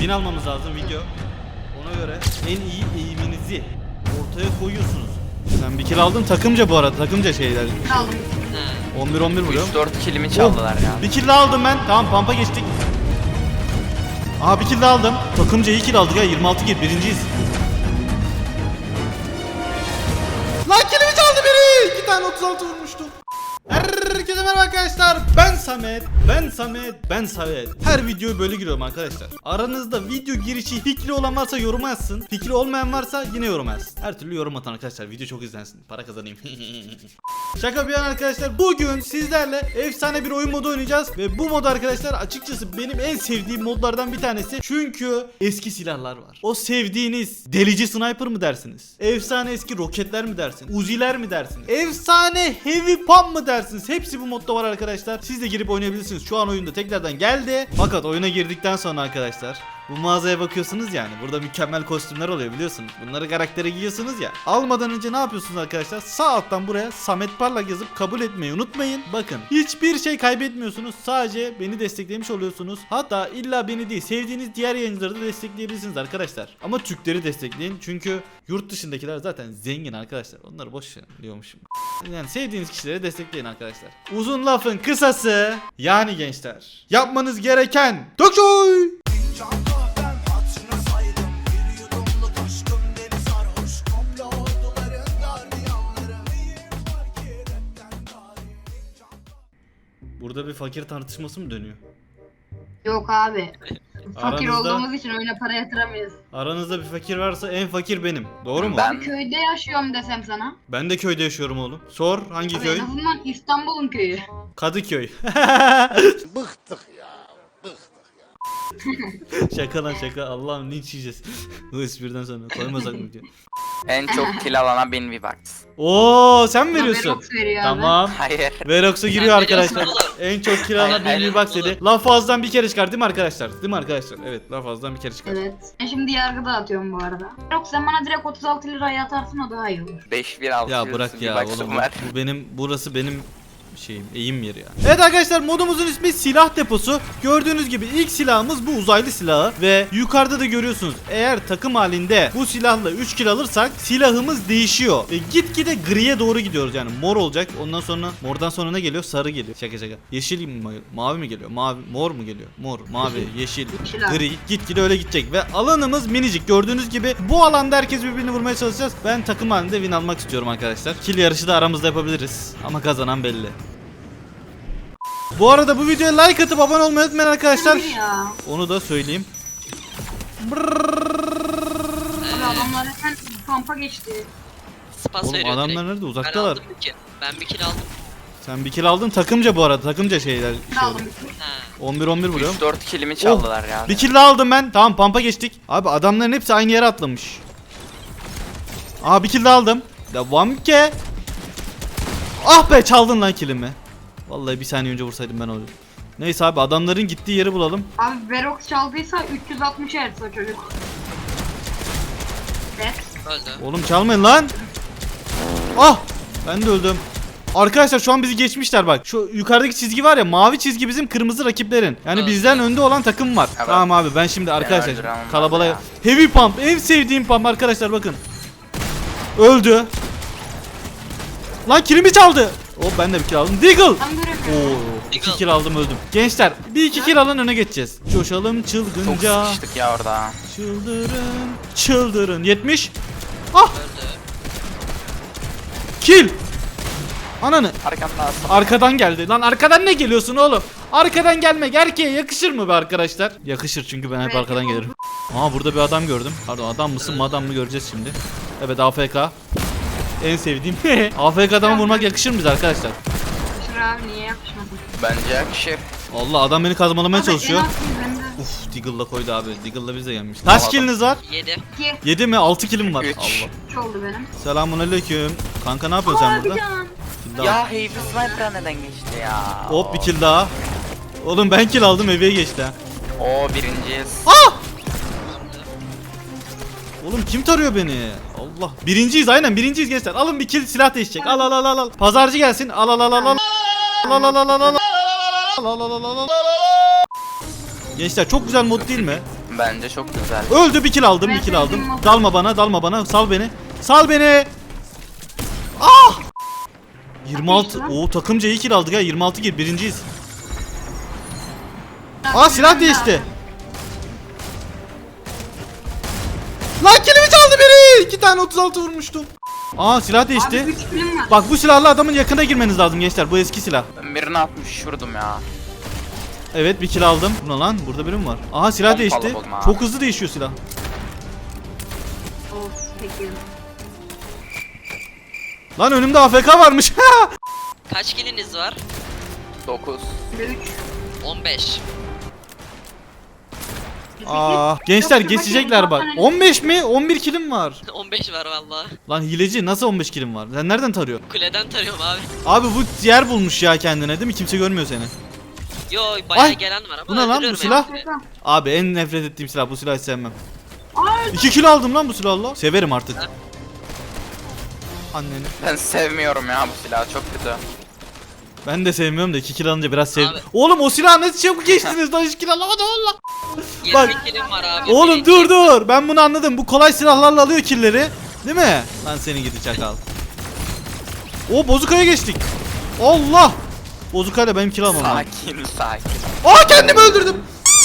Win almamız lazım video. Ona göre en iyi eğiminizi ortaya koyuyorsunuz. Sen bir kill aldın takımca bu arada. Takımca şeyler. Aldım. 11-11 vuruyorum. 4 killimi çaldılar ya. Bir kill daha aldım ben. Tamam pampa geçtik. Aha bir kill daha aldım. Takımca iyi kill aldık ya. 26 kill birinciyiz. Lan killimi çaldı biri. 2 tane 36 vurmuştum. Herkese merhaba arkadaşlar. Ben Samet. Her videoyu böyle giriyorum arkadaşlar. Aranızda video girişi fikri olan varsa yorum yazsın. Fikri olmayan varsa yine yorum yazsın. Her türlü yorum atın arkadaşlar. Video çok izlensin. Para kazanayım. Şaka bir yana arkadaşlar. Bugün sizlerle efsane bir oyun modu oynayacağız. Ve bu mod arkadaşlar açıkçası benim en sevdiğim modlardan bir tanesi. Çünkü eski silahlar var. O sevdiğiniz delici sniper mı dersiniz? Efsane eski roketler mi dersiniz? Uziler mi dersiniz? Efsane heavy pump mı dersiniz? Hepsi bu modda var arkadaşlar. Siz de girip oynayabilirsiniz. Şu an oyunda tekrardan geldi. Fakat oyuna girdikten sonra arkadaşlar bu mağazaya bakıyorsunuz yani. Burada mükemmel kostümler oluyor biliyorsunuz. Bunları karaktere giyiyorsunuz ya. Almadan önce ne yapıyorsunuz arkadaşlar? Sağ alttan buraya Samet Parlak yazıp kabul etmeyi unutmayın. Bakın hiçbir şey kaybetmiyorsunuz. Sadece beni desteklemiş oluyorsunuz. Hatta illa beni değil, sevdiğiniz diğer yayıncıları da destekleyebilirsiniz arkadaşlar. Ama Türkleri destekleyin. Çünkü yurt dışındakiler zaten zengin arkadaşlar. Onları boş verin diyormuşum. Yani sevdiğiniz kişileri destekleyin arkadaşlar. Uzun lafın kısası yani gençler. Yapmanız gereken Dokçoy! Burada bir fakir tartışması mı dönüyor? Yok abi. Fakir Aranızda- olduğumuz için oyuna para yatıramıyoruz. Aranızda bir fakir varsa en fakir benim. Doğru mu? Ben- Köyde yaşıyorum desem sana. Ben de köyde yaşıyorum oğlum. Sor hangi Abi köy? en azından İstanbul'un köyü. Kadıköy. Bıktık ya. Bıktık. Şaka lan şaka. Allah'ım linç yiyeceğiz. Bu espriden sonra koymasak mı diyor. En çok kill alana 1000 V-Bucks. Oo sen mi veriyorsun? Verox veriyor abi. Tamam. Hayır. Verox'a giriyor arkadaşlar. veriyorsun En çok kirana Hayır, hayır. bir bak dedi. Laf ağızdan bir kere çıkar değil mi arkadaşlar? Değil mi arkadaşlar? Evet laf ağızdan bir kere çıkar. Evet. Ben şimdi yargıda atıyorum bu arada. Verox sen bana direkt 36 liraya atarsın o daha iyi olur. 5-1-6 Ya bırak ya V-Bucks'ım oğlum. var. Bu benim burası benim şeyim eğim yeri ya. Evet arkadaşlar modumuzun ismi silah deposu. Gördüğünüz gibi ilk silahımız bu uzaylı silahı ve yukarıda da görüyorsunuz. Eğer takım halinde bu silahla 3 kill alırsak silahımız değişiyor. Ve gitgide griye doğru gidiyoruz yani mor olacak. Ondan sonra mordan sonra ne geliyor? Sarı geliyor. Şaka şaka. Yeşil mi? Mavi mi geliyor? Mavi, mor mu geliyor? Mor, mavi, yeşil, Yeşil abi. gri. Gitgide öyle gidecek ve alanımız minicik. Gördüğünüz gibi bu alanda herkes birbirini vurmaya çalışacağız. Ben takım halinde win almak istiyorum arkadaşlar. Kill yarışı da aramızda yapabiliriz. Ama kazanan belli. Bu arada bu videoya like atıp abone olmayı unutmayın arkadaşlar. Hayır ya. Onu da söyleyeyim. Abi adamlar hemen kampa geçti. Spas Oğlum veriyor adamlar direkt. nerede? Ben Uzaktalar. aldım bir kill. Ben bir kill aldım. Sen bir kill aldın takımca bu arada. Takımca şeyler. Ben aldım. 11-11 vuruyorum. 3-4 killimi çaldılar ya. Bir kill daha aldım ben. Tamam pampa geçtik. Abi adamların hepsi aynı yere atlamış. Aa bir kill daha aldım. Devam ki. Ah be çaldın lan killimi. Vallahi bir saniye önce vursaydım ben onu. Neyse abi adamların gittiği yeri bulalım. Abi Verox çaldıysa 360 Hz o çocuk. Evet. Öldü. Oğlum çalmayın lan. Ah ben de öldüm. Arkadaşlar şu an bizi geçmişler bak. Şu yukarıdaki çizgi var ya mavi çizgi bizim kırmızı rakiplerin. Yani Evet. bizden önde olan takım var. Evet. Tamam abi ben şimdi arkadaşlar öldüren onlar kalabalığa ya. heavy pump en sevdiğim pump arkadaşlar bakın. Öldü. Lan kilimi çaldı. Oh ben de bir kill aldım. Deagle. Ben göremiyorum. Oo, 2 Deagle. kill aldım öldüm. Gençler bir iki kill alın öne geçeceğiz. Coşalım Çok çılgınca. sıkıştık ya orada. Çıldırın. Çıldırın. 70. Ah Öldü. kill. Ananı. Arkamda asıl. Arkadan geldi. Lan arkadan ne geliyorsun oğlum? Arkadan gelmek erkeğe yakışır mı be arkadaşlar? Yakışır çünkü ben hep Evet, arkadan gelirim. Aa burada bir adam gördüm. Pardon adam mısın madam mı göreceğiz şimdi. Evet AFK. En sevdiğim. AFK adamı vurmak yakışır mı bize arkadaşlar? Yakışır abi niye yakışmasın? Bence yakışır. Allah adam beni kazmalamaya Abi, çalışıyor. en az kill bende. Uf Deagle'la koydu abi. Deagle'la biz de gelmiş. Kaç Tamam. killiniz var? 7. 2 7 mi? 6 killim var. Üç. Allah. 3 oldu benim. Selamünaleyküm. Kanka ne yapıyorsun sen Abi burada? can. Kill daha. Ya Heavy Sniper'a neden geçti ya? Hop bir kill daha. Oğlum ben kill aldım eveye geçti ha. Oo birinciyiz. Oğlum kim tarıyor beni? Allah. Birinciyiz aynen birinciyiz gençler. Alın bir kill silah değişecek. Al al al al al. Pazarcı gelsin. Al al al al al. Al al al al al al. Al al al al al. Gençler çok güzel mod değil mi? Bence çok güzel. Öldü, bir kill aldım, bir kill aldım. Dalma bana, sal beni. Sal beni. Ah! 26. Oo, takımca iyi kill aldık ha. 26 kill, birinciyiz. Aa, silah değişti. Lan killimi çaldı biri. 2 tane 36 vurmuştum. Aa, silah Abi değişti. 3 kilim var. Bak, bu silahla adamın yakına girmeniz lazım gençler. Bu eski silah. Ben birini 60 vurdum ya. Evet, bir kill aldım. Bu ne lan? Burada biri mi var? Aha, silah Pompalı değişti. buldum ha. Çok hızlı değişiyor silah. Of peki. Lan önümde AFK varmış. Kaç kiliniz var? 9. 3. 15. Aa, gençler geçecekler bak. 15 mi? 11 killim var. 15 var valla. Lan hileci, nasıl 15 killim var? Sen nereden tarıyorsun? Kuleden tarıyorum abi. Abi bu yer bulmuş ya kendine, değil mi? Kimse görmüyor seni. Yo bayağı Ay, gelen var ama bu ne lan, bu öldürüyorum silah? hepsini. Abi en nefret ettiğim silah, bu silahı hiç sevmem. Aa, 2 kilo aldım lan bu silahla. Severim artık. Ha? Anneni. Ben sevmiyorum ya bu silahı, çok kötü. Ben de sevmiyorum da 2 kilo alınca biraz sevdim. Abi. Oğlum o silahı nasıl çabuk geçtiniz lan, 2 kilo alamadım valla. 20 Bak. kilim var abi. Oğlum dur. Ben bunu anladım. Bu kolay silahlarla alıyor killleri. Değil mi? Lan seni gidi çakal. O bozukaya geçtik. Allah. Bozukayla benim kill almam lazım. Sakin. Aa, kendimi öldürdüm.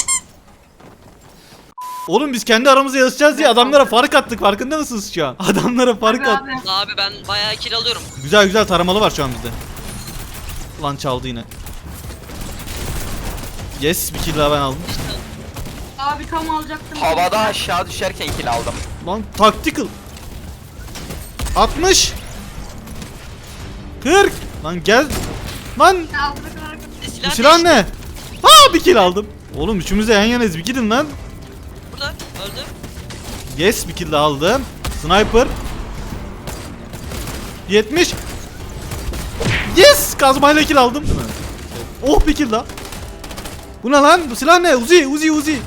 Oğlum biz kendi aramızda yarışacağız diye adamlara fark attık, farkında mısınız şu an? Adamlara fark abi, attık. abi. Abi ben bayağı kill alıyorum. Güzel taramalı var şu an bizde. Lan çaldı yine. Yes, bir kill daha ben aldım. Abi tam alacaktım. Havada aşağı düşerken kill aldım. Lan tactical. 60. 40. Lan gel. Lan bu Silah silah ne? Ha, bir kill aldım. Oğlum üçümüz de yan yanayız, bir gidin lan. burada öldü. Yes, bir kill daha aldım. Sniper. 70. Yes, kazmayla kill aldım. Oh, bir kill daha. Bu ne lan? Bu silah ne? Uzi.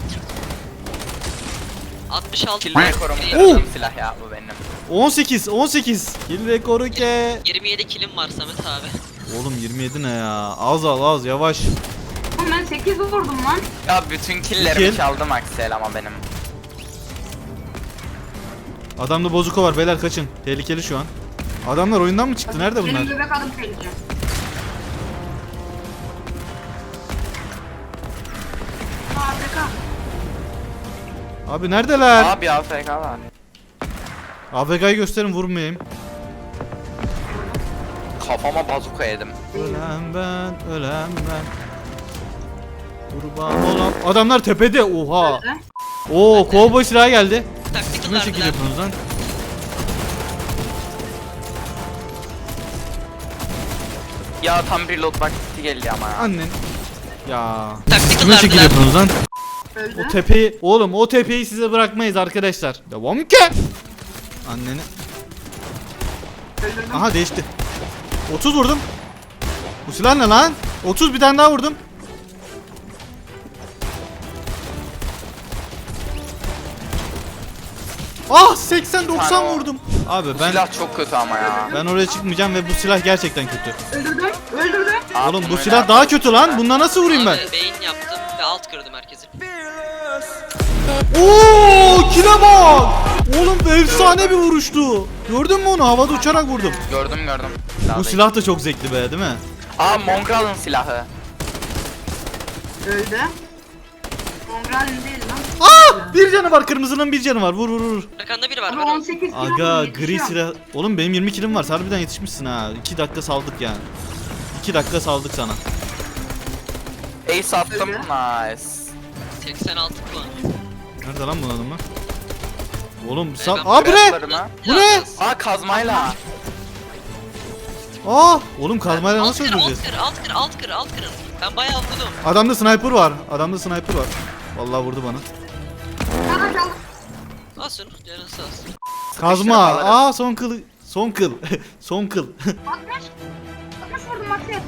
66 Kill rekorumu Oo. kırdığım silah ya bu benim. 18. Kill rekoru ke. 27 kilim var Samet abi. Oğlum 27 ne ya? Az yavaş. Oğlum ben 8 vurdum lan. Ya bütün killlerimi Kill. çaldım Aksel ama benim. Adamda bozuka var, beyler kaçın. Tehlikeli şu an. Adamlar oyundan mı çıktı? Nerede bunlar? Benim bebek adım tehlikeli. AFK. Abi neredeler? Abi AFK var. AFK'yı gösterin, vurmayayım. Kafama bazuka yedim. Ölen ben. Kurban olan. Adamlar tepede. Oha. Öldü. Oo, kovboy silahı geldi. Tactical Kime şekil verdiler. yapıyorsunuz lan? Ya tam reload vakti geldi ama ya. Annen. Ya. Tactical Kime şekil verdiler. yapıyorsunuz lan? Öldü. O tepeyi, oğlum o tepeyi size bırakmayız arkadaşlar. Devam ki. Anneni. Öldürdüm. Aha, değişti. 30 vurdum. Bu silah ne lan? 30, bir tane daha vurdum. Ah, 80-90 vurdum. Abi Bu ben silah çok kötü ama ya. oraya çıkmayacağım ve bu silah gerçekten kötü. Öldürdüm. Oğlum bu Öyle silah daha kötü lan. Bununla nasıl vurayım ben? Abi beyin yaptım ve alt kırdım herkesi. Oo, kile bak. Oğlum efsane bir vuruştu. Gördün mü onu? Havada uçarak vurdum. Gördüm. Bu silah da çok zevkli be, değil mi? Aa, Mongrel'ın silahı. Öldü. Mongrel değil lan. Aa, bir canı var, kırmızının bir canı var. Vur. Arkanda biri var. Ama Var o. 18 kilo Aga, vurdum, gri yetişiyorum. silah. Oğlum benim 20 kilim var. Harbiden yetişmişsin ha. 2 dakika saldık yani. 2 dakika saldık sana. Ace attım. Öyle. Nice. 86 puan. Nerede lan bunun adamı? Oğlum Ben- sal. Aa, bu ne? Grappler'ına. Bu ne? Aa, kazmayla. Aa, oğlum kazmayla Alt nasıl kır, öldüreceğiz? alt kır. Ben bayağı vurdum. Adamda sniper var. Vallahi vurdu bana. Bana kaldı. Olsun, canın sağ olsun. Kazma. alırım. Aa, son kıl. Son kıl. 60 vurdum Maxi.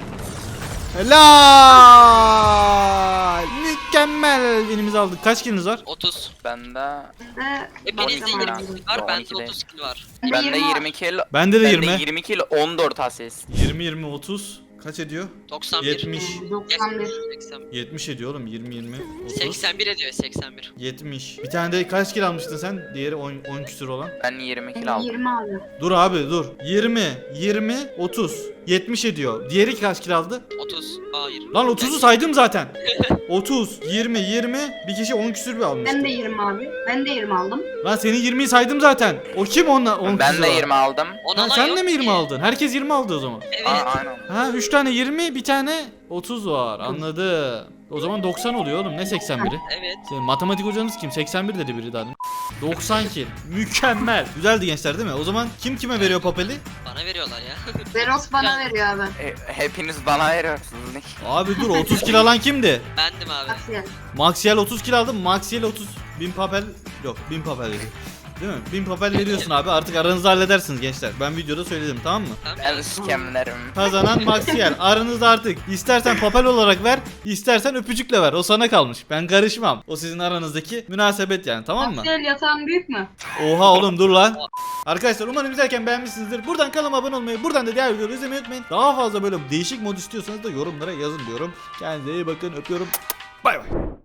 Helal. Mükemmel. Binimizi aldık. Kaç kiliniz var? 30. Bende Hepinizde Bakacağım 20 abi. kill var, bende 12 değil. 30 kill var. bende 20 kill. Bende de Bende 20. 20 kill 14 asist. 20 30. Kaç ediyor? 91. 70. 91. 81. 70 ediyor oğlum. 20 20 30. 81 ediyor 81. 70. Bir tane de kaç kilo almıştın sen? Diğeri 10 küsür olan. Ben 20 kilo aldım. 20 abi. Dur abi dur. 20 20 30. 70 ediyor. Diğeri kaç kilo aldı? 30. Hayır. Lan 30'u saydım zaten. 30 20 20 bir kişi 10 küsür bir almıştı. Ben de 20 abi. Ben de 20 aldım. Lan senin 20'yi saydım zaten. O kim onunla 10 Ben küsür de alan? 20 aldım. Ona Ha, lan sen yok de mi 20 ki. aldın? Herkes 20 aldı o zaman. Evet. Aynen. Ha 3 tane 20 bir tane 30 var. Anladım. O zaman 90 oluyor oğlum. Ne 81'i? Evet. Senin matematik hocanız kim? 81 dedi biri daha. 90 kill. Mükemmel. Güzeldi gençler değil mi? O zaman kim kime veriyor papeli? Bana veriyorlar ya. Zeros bana veriyor abi. Hepiniz bana veriyorsunuz. Abi dur 30 kill alan kimdi? Bendim abi. Aksiyen. Maxiel 30 kill aldı. Maxiel 30 bin papel yok 1000 papel dedi. Değil mi? 1000 papel veriyorsun abi. Artık aranızda halledersiniz gençler. Ben videoda söyledim tamam mı? Tamam Ben ya. skemlerim. Kazanan Maxiel. Aranızda artık istersen papel olarak ver, istersen öpücükle ver. O sana kalmış. Ben karışmam. O sizin aranızdaki münasebet yani tamam mı? Aksiyen yatağın büyük mü? Oha oğlum dur lan. Arkadaşlar umarım izlerken beğenmişsinizdir. Buradan kanalıma abone olmayı, buradan da diğer videoları izlemeyi unutmayın. Daha fazla böyle değişik mod istiyorsanız da yorumlara yazın diyorum. Kendinize iyi bakın. Öpüyorum. Bay bay.